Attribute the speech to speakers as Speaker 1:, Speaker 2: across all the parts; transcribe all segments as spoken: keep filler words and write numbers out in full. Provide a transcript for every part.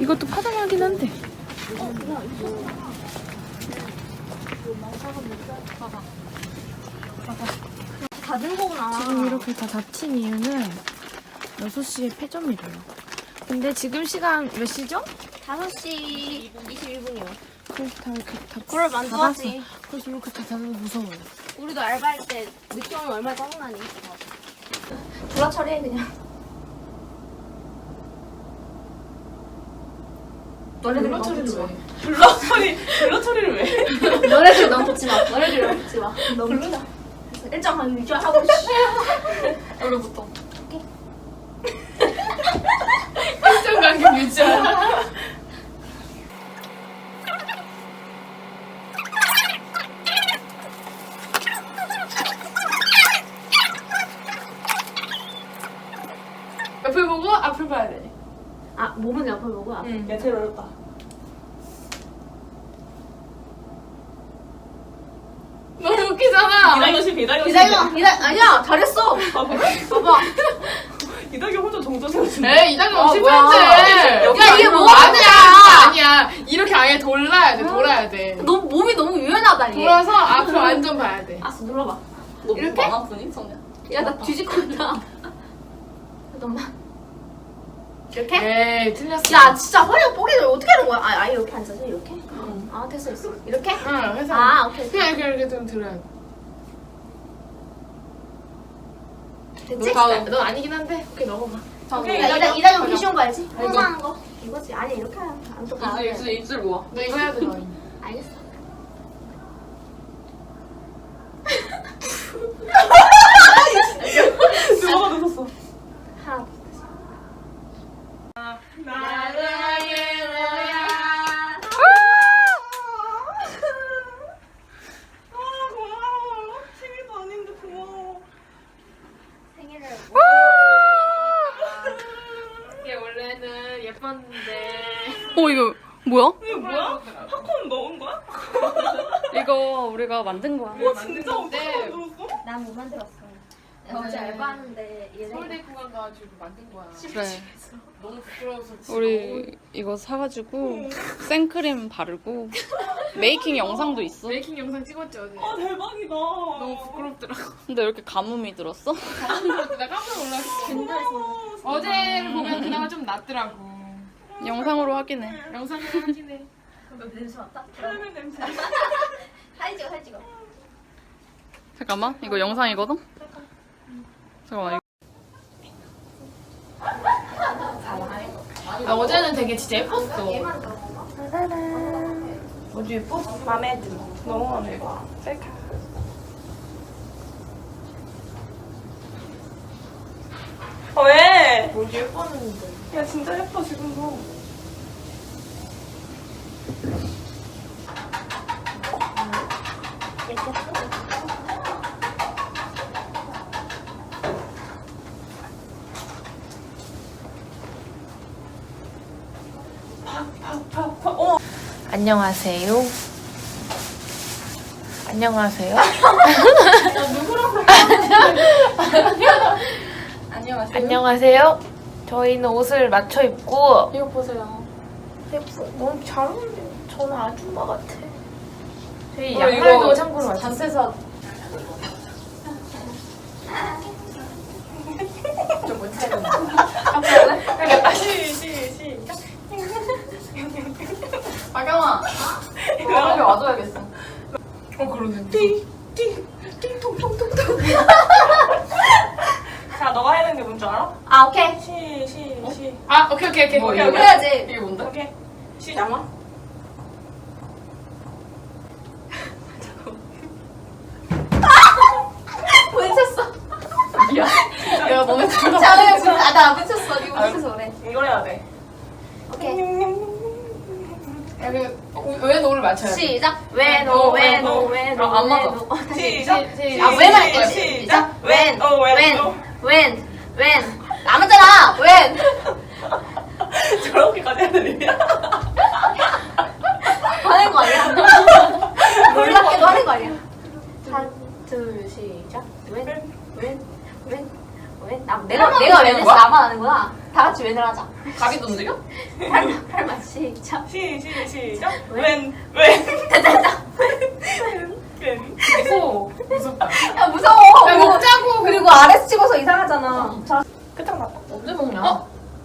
Speaker 1: 이것도 파당하긴 한데.
Speaker 2: 닫은 거구나.
Speaker 1: 지금 이렇게 다 닫힌 이유는 여섯 시에 폐점이래요. 근데 지금 시간 몇 시죠?
Speaker 2: 다섯 시 이십일 분이요.
Speaker 1: 그래서 다 이렇게 다
Speaker 2: 그걸 만들었지.
Speaker 1: 그래서 이렇게 다 닫아서 무서워요.
Speaker 2: 우리도 알바할 때 늦게 오면 얼마나 짜증나니. 불화 처리해 그냥. 너네들 너무 붙지 마.
Speaker 3: 블러 처리, 블러 처리를 왜?
Speaker 2: 너네들 너무 붙지 마. 너네들 너무 붙지 마. 너무 붙지 마. 일정 한 유지하고 씨.
Speaker 3: 오늘부터.
Speaker 1: 일정 간격 유지하라. 옆을 보고 앞을 봐야 돼.
Speaker 2: 아 몸은 옆을 보고 앞.
Speaker 3: 응. 야, 제일 어렵다.
Speaker 1: 너무 웃기잖아.
Speaker 3: 이다경 씨, 이다경 씨.
Speaker 2: 이다경 이다 아니야 잘했어.
Speaker 3: 아, 그래?
Speaker 2: 봐봐.
Speaker 3: 이다경 혼자 정조세호 지
Speaker 1: 에이 이다경
Speaker 2: 아,
Speaker 1: 실패했지.
Speaker 3: 여기
Speaker 2: 야, 이게
Speaker 3: 아니고.
Speaker 2: 뭐야?
Speaker 1: 아니야 아니야. 이렇게 아예 돌아야 돼 돌아야 돼.
Speaker 2: 너 몸이 너무 유연하다 얘.
Speaker 1: 돌아서 앞을 완전 봐야 돼.
Speaker 2: 알았어 눌러봐.
Speaker 3: 너
Speaker 2: 이렇게?
Speaker 3: 안 아프니, 성냐?
Speaker 2: 야 나 뒤집고 있다. 잠깐만. 이렇게?
Speaker 1: 에이 틀렸어.
Speaker 2: 야 진짜 허리가 뽀개져 어떻게 하는 거야? 아, 아 이렇게 앉아서 이렇게? 응. 아 됐어 됐어. 이렇게?
Speaker 1: 응 해서.
Speaker 2: 아 오케이.
Speaker 1: 그냥 이렇게 이렇게 좀 들어야 돼.
Speaker 2: 됐지?
Speaker 1: 너, 넌 아니긴 한데. 오케이 넘어가.
Speaker 3: 오케이,
Speaker 2: 야, 이다
Speaker 3: 이다경.
Speaker 2: 이다경 개 쉬운 거 알지?
Speaker 1: 알죠.
Speaker 2: 항상 하는 거. 이거지. 아니 이렇게 하면 안또 가야
Speaker 3: 입술,
Speaker 2: 돼.
Speaker 3: 입술, 입술 모아.
Speaker 1: 너 이거 해야 돼 너.
Speaker 2: 알겠어.
Speaker 3: 누가 늦었어?
Speaker 2: 하나.
Speaker 3: 나랑의 너야. 아, 고마워. 생일도 아닌데 고마워.
Speaker 2: 생일을.
Speaker 1: 이게 원래는 예뻤는데.
Speaker 4: 어 이거 뭐야?
Speaker 3: 이거 뭐야? 팝콘 넣은 거야?
Speaker 4: 이거 우리가 만든 거야.
Speaker 3: 와, 진짜 어떻게
Speaker 1: 건데.
Speaker 3: 만들었어?
Speaker 2: 난 못 만들었어. 내가 어제
Speaker 1: 네.
Speaker 2: 알바하는데 얘네.
Speaker 1: 서울대 구간 가가지고 만든 거야.
Speaker 4: 그래.
Speaker 1: 너무 부끄러워서 진짜
Speaker 4: 우리 이거 사가지고 생크림 바르고 메이킹 영상도 있어.
Speaker 1: 메이킹 영상 찍었지 어제.
Speaker 3: 아, 대박이다.
Speaker 1: 너무 부끄럽더라고.
Speaker 4: 근데 왜 이렇게 가뭄이 들었어?
Speaker 1: 나 깜짝 놀랐어. 어제를 보면 그나마 좀 낫더라고.
Speaker 4: 영상으로 확인해.
Speaker 1: 영상을 확인해.
Speaker 2: 너 냄새 맡다?
Speaker 3: 카라멜 냄새.
Speaker 2: 사진 찍어 사진 찍어.
Speaker 4: 잠깐만 이거 영상이거든? 잠깐만 이거.
Speaker 1: 아, 어제는 되게 진짜 예뻤어.
Speaker 2: 얘만 들어봐.
Speaker 1: 어제 예뻤어.
Speaker 3: 맘에 들어. 너무 맘에 들어. 셀카. 어, 왜?
Speaker 1: 어제 예뻤는데.
Speaker 3: 야, 진짜 예뻐, 지금도. 팍팍팍팍. 어.
Speaker 1: 안녕하세요. 안녕하세요.
Speaker 3: 안녕하세요.
Speaker 1: 안녕하세요. 저희는 옷을 맞춰 입고
Speaker 3: 이거 보세요.
Speaker 1: 예뻐. 너무 잘 어울려. 저는 아줌마 같아. 저희
Speaker 3: 어,
Speaker 1: 양말도
Speaker 3: 이거
Speaker 1: 참고로 맞춰.
Speaker 3: 자세사. 좀못 차려. 그러니까 시, 시, 시작. 박영아. 이거 앞에 와줘야겠어.
Speaker 1: 어 그러네.
Speaker 3: 띵, 띵, 띵통통통통. 자, 너가 해야 되는 게 뭔지 알아?
Speaker 2: 아 오케이.
Speaker 3: 시, 시, 시.
Speaker 1: 아 오케이 오케이 오케이.
Speaker 3: 뭐,
Speaker 1: 오케이,
Speaker 3: 이거
Speaker 1: 오케이.
Speaker 2: 해야지.
Speaker 3: 이게 뭔데? 오케이. 시작.
Speaker 2: 뭉쳤어.
Speaker 3: 미안. 내가 너네 둘다
Speaker 2: 자왜 뭉? 아나 뭉쳤어. 니 뭉쳐서 그래.
Speaker 3: 이걸 해야 돼.
Speaker 2: 오케이.
Speaker 1: 야, 그, 왜 노를 맞춰야 돼?
Speaker 2: 시작. 왜노 왜노 왜노.
Speaker 3: 아, 안 맞아.
Speaker 2: 왜노. 어, 다시.
Speaker 3: 시작.
Speaker 1: 시작.
Speaker 2: 아 왜만 할 거야.
Speaker 3: 시작.
Speaker 2: 시작. 웬.
Speaker 3: 어, 웬.
Speaker 2: 웬.
Speaker 3: 어.
Speaker 2: 웬. 웬. 남았잖아. 웬.
Speaker 3: 저렇게까지 해야 되냐?
Speaker 2: 하는 거 아니야? 놀랍게도 하는 거 아니야? 하나, 둘, 시작. 웬, 웬, 웬, 왜? 나, 내가, 내가 왜 냈어? 나만 하는구나. 다 같이 웬을 하자.
Speaker 4: 가비도 움직여?
Speaker 2: 팔, 팔만 시작.
Speaker 3: 시, 시, 시작.
Speaker 2: 왜?
Speaker 3: 웬, 웬,
Speaker 2: 됐다,
Speaker 3: 웬.
Speaker 4: 무서워. 무섭다.
Speaker 2: 야, 무서워.
Speaker 1: 야,
Speaker 2: 그리고,
Speaker 1: 먹자고.
Speaker 2: 그리고 아래서 찍어서 이상하잖아. 자,
Speaker 3: 끝장 났다.
Speaker 4: 언제 먹냐?
Speaker 1: 어?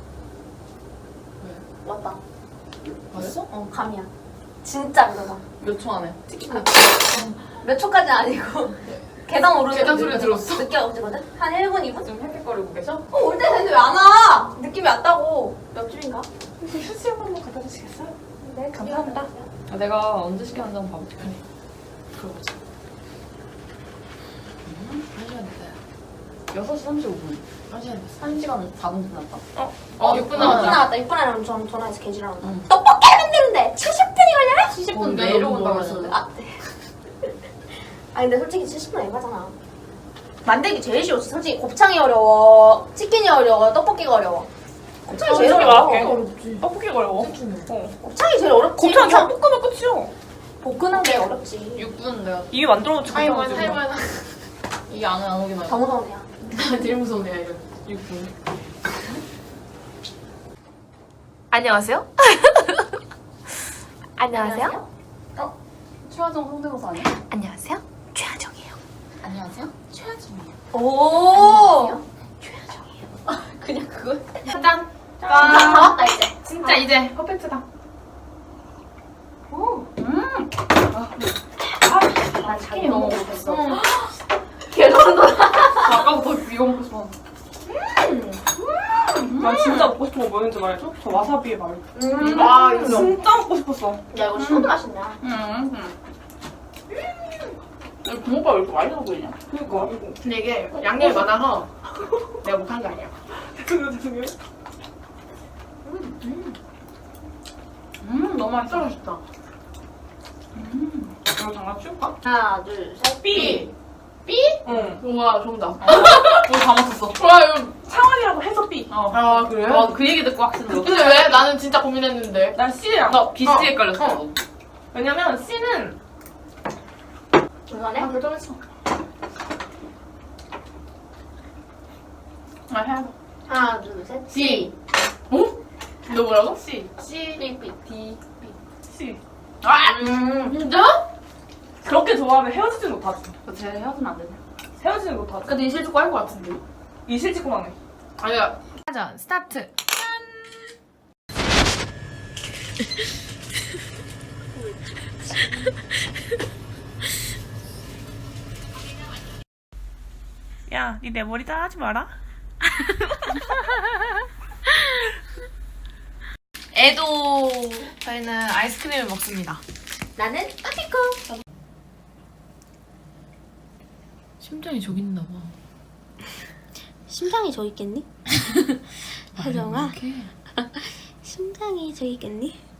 Speaker 2: 왔다.
Speaker 4: 봤어?
Speaker 2: 어, 감이야. 진짜 그러다.
Speaker 4: 몇 초 안에?
Speaker 2: 몇 초까지는 아니고. 계단 오르는
Speaker 1: 계단
Speaker 2: 거
Speaker 1: 소리가
Speaker 2: 늦게-
Speaker 1: 들었어?
Speaker 2: 늦게 오거든? 한 일 분, 이 분?
Speaker 4: 지금 헥헥거리고 계셔?
Speaker 2: 어, 올 때 됐는데 왜 안 와? 느낌이 왔다고. 몇 줄인가?
Speaker 3: 휴지 한 번만 갖다 주시겠어요?
Speaker 2: 네, 감사합니다.
Speaker 4: 아, 내가 언제 시켰는지 한번 봐볼게. 그래. 들어보자. 한 시간 됐다. 여섯 시 삼십오 분. 한 시간 됐어. 한 시간 사 분 지났다.
Speaker 3: 어?
Speaker 1: 어, 육 분
Speaker 2: 육 분
Speaker 1: 남았다.
Speaker 2: 남았다. 육 분 안에 전 전화해서 개지랄한다.
Speaker 4: 응.
Speaker 2: 떡볶이 만드는데 칠십 분이 걸려요?
Speaker 1: 칠십
Speaker 4: 어,
Speaker 1: 분
Speaker 4: 내일
Speaker 1: 내려온다고
Speaker 4: 오는
Speaker 1: 했는데.
Speaker 2: 아, 네. 아 근데 솔직히 칠십 분 에바잖아. 만들기 제일 쉬워. 솔직히 곱창이 어려워. 치킨이 어려워. 떡볶이가 어려워. 곱창이 제일
Speaker 3: 솔직히
Speaker 2: 어려워.
Speaker 3: 말할게.
Speaker 1: 어렵지.
Speaker 3: 떡볶이가 어려워. 어.
Speaker 2: 곱창이 제일 어렵지.
Speaker 3: 곱창 그냥
Speaker 2: 곱창
Speaker 3: 볶으면 끝이야.
Speaker 2: 볶는 게 어렵지.
Speaker 4: 육 분 내가
Speaker 3: 이게 만들어놓지
Speaker 1: 타이머
Speaker 3: 못하고
Speaker 1: 타이머
Speaker 3: 지금.
Speaker 1: 하나.
Speaker 4: 이게 안에 안 오기만
Speaker 2: 더 무서우네요.
Speaker 1: 제일 무서우네 이거. 육 분.
Speaker 2: 안녕하세요. 안녕하세요.
Speaker 4: 최하정 성대모사 아니야?
Speaker 2: 안녕하세요. 최하정이에요.
Speaker 4: 안녕하세요. 최하정이에요.
Speaker 2: 오.
Speaker 4: 그냥 그거?
Speaker 1: 짠.
Speaker 2: 다 왔다 이제.
Speaker 1: 진짜 이제 퍼펙트다.
Speaker 2: 오.
Speaker 4: 음.
Speaker 2: 난
Speaker 1: 치킨이 너무 먹고 싶어.
Speaker 2: 개소름 돋아.
Speaker 1: 아까부터 이거 먹고 싶어.
Speaker 3: 난 진짜 먹고 싶은 거 뭐였는지 말해줘? 저 와사비에 말.
Speaker 2: 음.
Speaker 1: 아, 이거
Speaker 3: 진짜 먹고 싶었어.
Speaker 2: 야 이거 신도 맛있네.
Speaker 4: 음. 음. 이 붕어빵 왜 이렇게 맛있어 보이냐?
Speaker 3: 그니까 이거.
Speaker 1: 근데 이게 양념이 많아서 내가 못한 게 아니야.
Speaker 3: 죄송해요 죄송해요.
Speaker 4: 음, 너무 맛있어.
Speaker 1: 맛있다.
Speaker 4: 음. 이거 장난 치울까?
Speaker 2: 하나 둘 셋.
Speaker 3: 삐.
Speaker 1: 삐?
Speaker 3: 응.
Speaker 1: 우와 정답.
Speaker 4: 우리 다 맞췄어.
Speaker 1: 와 이거.
Speaker 3: 창원이라고 해서 삐.
Speaker 4: 어.
Speaker 1: 아 그래?
Speaker 4: 와, 그 얘기 듣고 확신 들었어.
Speaker 1: 근데 왜? 나는 진짜 고민했는데.
Speaker 3: 난 C야.
Speaker 4: 나 비슷히
Speaker 1: 어.
Speaker 4: 헷갈렸어.
Speaker 1: 어.
Speaker 3: 왜냐면 C는
Speaker 2: 이거네.
Speaker 1: 아 결정했어.
Speaker 4: 아, 해봐.
Speaker 2: 하나 둘 셋.
Speaker 1: C. 어? 너 뭐라고?
Speaker 3: C.
Speaker 1: C.
Speaker 2: 삐 삐.
Speaker 1: D.
Speaker 3: C.
Speaker 1: 아!
Speaker 2: 음.
Speaker 1: 진짜?
Speaker 3: 그렇게 좋아하면 헤어지진 못하지.
Speaker 4: 쟤 헤어지면 안 되냐?
Speaker 3: 헤어지진 못하지.
Speaker 1: 근데 이실 듣고 할 것 같은데.
Speaker 3: 이실직고만 해.
Speaker 1: 아니야. 하자. 스타트.
Speaker 3: 야, 니 내 머리 따라하지 마라.
Speaker 1: 애도 저희는 아이스크림을 먹습니다.
Speaker 2: 나는 아피코.
Speaker 1: 심장이 저기 있나 봐.
Speaker 2: 심장이 저 있겠니? 혜정아.
Speaker 1: 이렇게.
Speaker 2: 심장이 저 있겠니?